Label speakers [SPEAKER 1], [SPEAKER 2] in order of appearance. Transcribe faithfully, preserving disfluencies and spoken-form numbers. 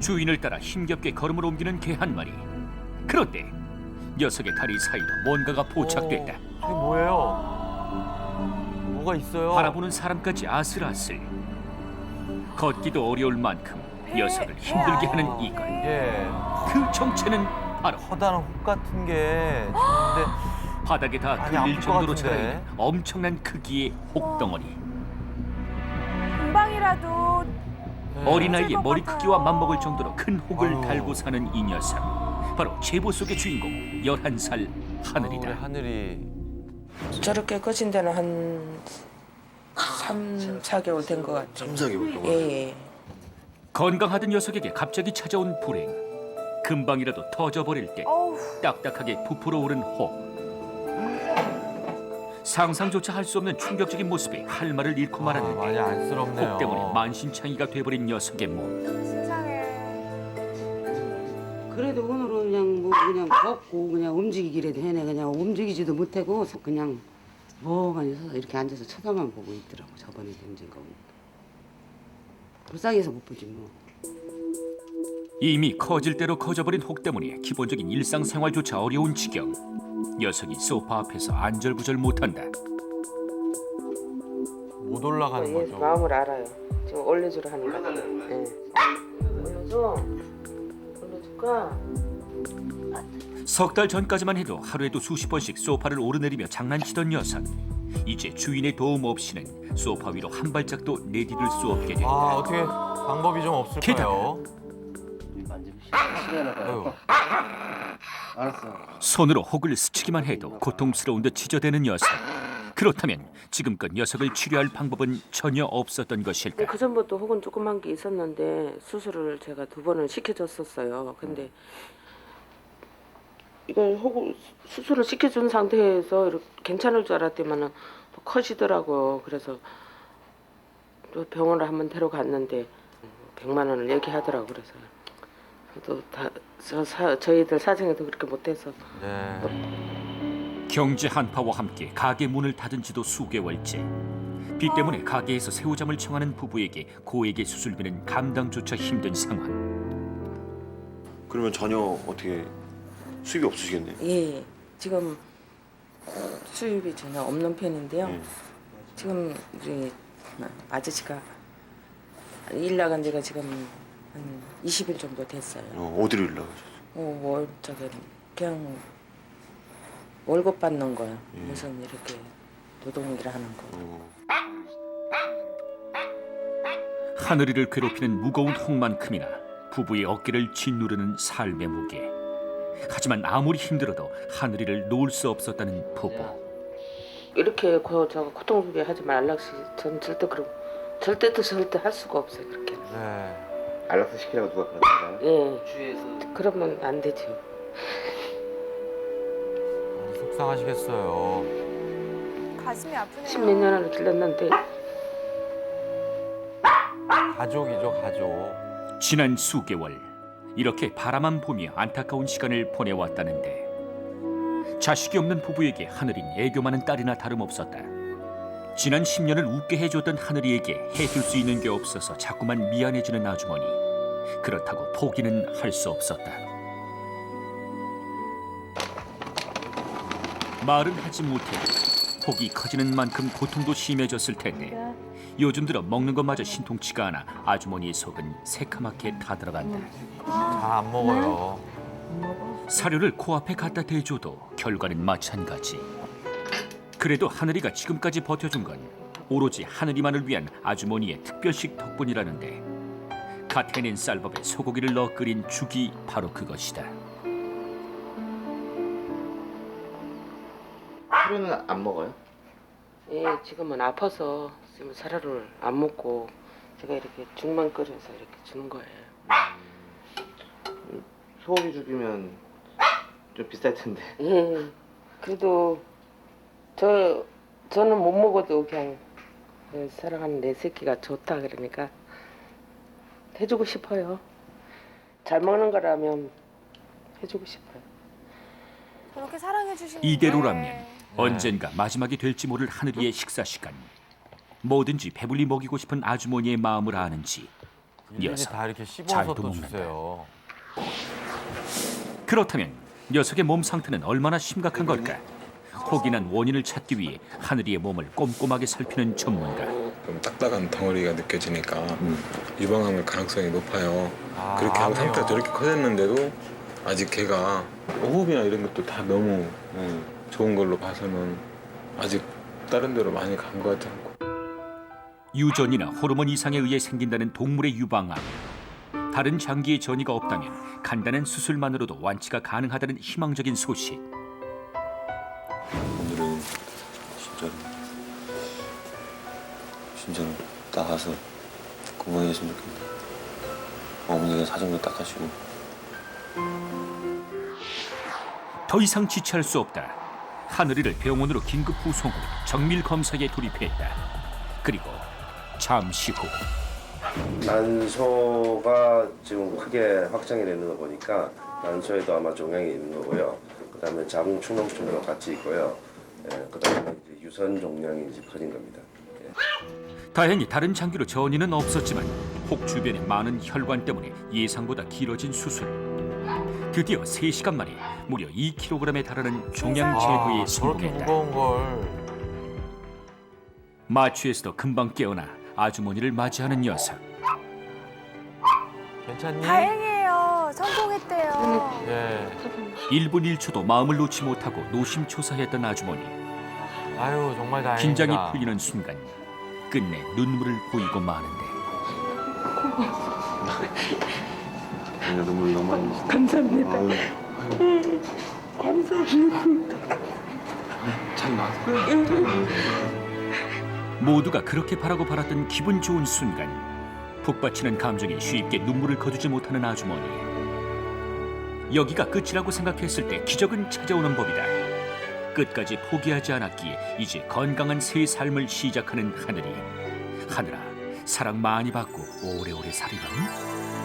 [SPEAKER 1] 주인을 따라 힘겹게 걸음을 옮기는 개 한 마리. 그런데 녀석의 다리 사이로 뭔가가 포착됐다.
[SPEAKER 2] 어, 이게 뭐예요? 뭐가 있어요?
[SPEAKER 1] 바라보는 사람까지 아슬아슬. 걷기도 어려울 만큼 녀석을 힘들게 하는 이것.
[SPEAKER 2] 예,
[SPEAKER 1] 그 정체는 바로
[SPEAKER 2] 커다란 혹 같은 게 있는데
[SPEAKER 1] 바닥에 다
[SPEAKER 2] 많이
[SPEAKER 1] 걸릴
[SPEAKER 2] 아플 것
[SPEAKER 1] 정도로
[SPEAKER 2] 같은데.
[SPEAKER 1] 자라있는 엄청난 크기의 혹덩어리.
[SPEAKER 3] 금방이라도
[SPEAKER 1] 어린아이의
[SPEAKER 3] 것
[SPEAKER 1] 머리
[SPEAKER 3] 같아요.
[SPEAKER 1] 크기와 맞먹을 정도로 큰 혹을
[SPEAKER 2] 아유.
[SPEAKER 1] 달고 사는 이 녀석. 바로 제보 속의 주인공 열한 살
[SPEAKER 2] 우리
[SPEAKER 1] 하늘이다.
[SPEAKER 2] 하늘이
[SPEAKER 4] 저렇게 커진 데는 한 삼, 사 개월 된 것 같아요.
[SPEAKER 5] 삼, 사 개월 동안.
[SPEAKER 4] 예, 예.
[SPEAKER 1] 건강하던 녀석에게 갑자기 찾아온 불행. 금방이라도 터져버릴 때
[SPEAKER 3] 어우,
[SPEAKER 1] 딱딱하게 부풀어 오른 혹. 상상조차 할 수 없는 충격적인 모습에 할 말을 잃고
[SPEAKER 2] 아, 많이
[SPEAKER 1] 말았는데
[SPEAKER 2] 안쓰럽네요.
[SPEAKER 1] 혹 때문에 만신창이가 돼버린 녀석의 몸.
[SPEAKER 3] 세상에.
[SPEAKER 6] 그래도 오늘은 그냥 뭐 그냥 걷고 그냥 움직이기라도 해내. 그냥 움직이지도 못하고 그냥 멍하니 서서 이렇게 앉아서 쳐다만 보고 있더라고. 저번에 던진 거. 불쌍해서 못 보지 뭐.
[SPEAKER 1] 이미 커질 대로 커져버린 혹 때문에 기본적인 일상생활조차 어려운 지경. 녀석이 소파 앞에서 안절부절 못한다.
[SPEAKER 2] 못 올라가는
[SPEAKER 4] 얘
[SPEAKER 2] 거죠.
[SPEAKER 4] 마음을 알아요. 지금 올려주려 하는 것 같아요. 예. 올려줘. 올려줄까?
[SPEAKER 1] 석 달 전까지만 해도 하루에도 수십 번씩 소파를 오르내리며 장난치던 녀석. 이제 주인의 도움 없이는 소파 위로 한 발짝도 내디딜 수 없게 된다.
[SPEAKER 2] 아, 어떻게 방법이 좀 없을까요? 아유,
[SPEAKER 1] 손으로 혹을 스치기만 해도 고통스러운 듯 지저대는 녀석. 그렇다면 지금껏 녀석을 치료할 방법은 전혀 없었던 것일까?
[SPEAKER 4] 그 전부터 혹은 조그만 게 있었는데 수술을 제가 두 번을 시켜줬었어요. 근데 이걸 혹을 수술을 시켜준 상태에서 이렇게 괜찮을 줄 알았더니만은 또 커지더라고요. 그래서 또 병원을 한번 데려갔는데 백만 원을 얘기하더라고. 그래서 또 다 저 사, 저희들 사정에도 그렇게 못해서
[SPEAKER 2] 네.
[SPEAKER 1] 경제 한파와 함께 가게 문을 닫은 지도 수개월째. 빚 때문에 가게에서 새우잠을 청하는 부부에게 고액의 수술비는 감당조차 힘든 상황.
[SPEAKER 5] 그러면 전혀 어떻게 수입이 없으시겠네요.
[SPEAKER 4] 예, 지금 수입이 전혀 없는 편인데요.
[SPEAKER 5] 예.
[SPEAKER 4] 지금 우리 아저씨가 일 나간 지가 지금 한 이십 일 정도 됐어요.
[SPEAKER 5] 어, 어디로 일나가셨어요?
[SPEAKER 4] 어, 월 저기 그냥 월급 받는 거요.
[SPEAKER 5] 예.
[SPEAKER 4] 무슨 이렇게 노동일 하는 거.
[SPEAKER 5] 어.
[SPEAKER 1] 하늘이를 괴롭히는 무거운 혹만큼이나 부부의 어깨를 짓누르는 삶의 무게. 하지만 아무리 힘들어도 하늘이를 놓을 수 없었다는 부부.
[SPEAKER 4] 이렇게 고, 저 고통스럽게 하지 말락시 전 절대 그럼 절대도 절대 할 수가 없어요. 그렇게.
[SPEAKER 2] 네.
[SPEAKER 5] 안락사 시키라고 누가 그러던가요?
[SPEAKER 4] 예. 주위에서 그러면 안 되죠.
[SPEAKER 2] 아, 속상하시겠어요.
[SPEAKER 3] 가슴이 아프네요.
[SPEAKER 4] 십몇 년을 길렀는데
[SPEAKER 2] 가족이죠, 가족.
[SPEAKER 1] 지난 수개월 이렇게 바라만 보며 안타까운 시간을 보내왔다는데 자식이 없는 부부에게 하늘인 애교 많은 딸이나 다름없었다. 지난 십 년을 웃게 해줬던 하늘이에게 해줄 수 있는 게 없어서 자꾸만 미안해지는 아주머니. 그렇다고 포기는 할 수 없었다. 말은 하지 못해도 혹이 커지는 만큼 고통도 심해졌을 텐데 요즘 들어 먹는 것마저 신통치가 않아 아주머니의 속은 새카맣게 타들어간다.
[SPEAKER 2] 잘 안 먹어요.
[SPEAKER 1] 사료를 코앞에 갖다 대줘도 결과는 마찬가지. 그래도 하늘이가 지금까지 버텨준 건 오로지 하늘이만을 위한 아주머니의 특별식 덕분이라는데 갓 해낸 쌀밥에 소고기를 넣어 끓인 죽이 바로 그것이다.
[SPEAKER 7] 하루는 안 먹어요?
[SPEAKER 4] 예, 지금은 아파서 지금 사료를 안 먹고 제가 이렇게 죽만 끓여서 이렇게 주는 거예요.
[SPEAKER 7] 소고기 죽이면 좀 비쌀 텐데.
[SPEAKER 4] 예, 그래도 저 저는 못 먹어도 그냥 그 사랑하는 내 새끼가 좋다 그러니까 해주고 싶어요. 잘 먹는 거라면 해주고 싶어요.
[SPEAKER 3] 그렇게 사랑해 주시는
[SPEAKER 1] 이대로라면 언젠가 마지막이 될지 모를 하늘이의 식사 시간. 뭐든지 배불리 먹이고 싶은 아주머니의 마음을 아는지
[SPEAKER 2] 일일이
[SPEAKER 1] 녀석
[SPEAKER 2] 다 이렇게
[SPEAKER 1] 잘
[SPEAKER 2] 씹어서 또
[SPEAKER 1] 도먹는다.
[SPEAKER 2] 주세요.
[SPEAKER 1] 그렇다면 녀석의 몸 상태는 얼마나 심각한 걸까? 혹인한 원인을 찾기 위해 하늘이의 몸을 꼼꼼하게 살피는 전문가.
[SPEAKER 8] 좀 딱딱한 덩어리가 느껴지니까 유방암일 가능성이 높아요.
[SPEAKER 2] 아,
[SPEAKER 8] 그렇게 하고
[SPEAKER 2] 암이요?
[SPEAKER 8] 상태가 저렇게 커졌는데도 아직 걔가 호흡이나 이런 것도 다 너무 좋은 걸로 봐서는 아직 다른 데로 많이 간 것 같지 않고.
[SPEAKER 1] 유전이나 호르몬 이상에 의해 생긴다는 동물의 유방암. 다른 장기의 전이가 없다면 간단한 수술만으로도 완치가 가능하다는 희망적인 소식.
[SPEAKER 5] 오늘은 진짜로 진짜로 나가서 건강해졌으면 좋겠네. 어머니가 사정도 닦아주고.
[SPEAKER 1] 더 이상 지체할 수 없다. 하늘이를 병원으로 긴급 후송 후 정밀 검사에 돌입했다. 그리고 잠시 후
[SPEAKER 9] 난소가 지금 크게 확장이 되는 거 보니까 난소에도 아마 종양이 있는 거고요. 그다음에 자궁 축농증도 같이 있고요. 예, 그다음에 이제 유선 종양이 이제 커진 겁니다. 예.
[SPEAKER 1] 다행히 다른 장기로 전이는 없었지만 혹 주변의 많은 혈관 때문에 예상보다 길어진 수술. 드디어 세 시간 만에 무려 이 킬로그램에 달하는 종양 제거에
[SPEAKER 2] 아, 저렇게
[SPEAKER 1] 성공했다.
[SPEAKER 2] 무거운 걸.
[SPEAKER 1] 마취에서도 금방 깨어나 아주머니를 맞이하는 녀석.
[SPEAKER 2] 괜찮니?
[SPEAKER 3] 다행이에요. 성공했대요.
[SPEAKER 2] 예.
[SPEAKER 1] 일 분 일 초도 마음을 놓지 못하고 노심초사했던 아주머니.
[SPEAKER 2] 아유 정말 다행이다.
[SPEAKER 1] 긴장이 풀리는 순간 끝내 눈물을 보이고 마는데
[SPEAKER 5] 내가 눈물 너무 많이 흘렸어.
[SPEAKER 4] 감사합니다.
[SPEAKER 5] 아유,
[SPEAKER 4] 감사합니다.
[SPEAKER 1] 모두가 그렇게 바라고 바랐던 기분 좋은 순간 북받치는 감정에 쉽게 눈물을 거두지 못하는 아주머니. 여기가 끝이라고 생각했을 때 기적은 찾아오는 법이다. 끝까지 포기하지 않았기에 이제 건강한 새 삶을 시작하는 하늘이. 하늘아, 사랑 많이 받고 오래오래 살이라.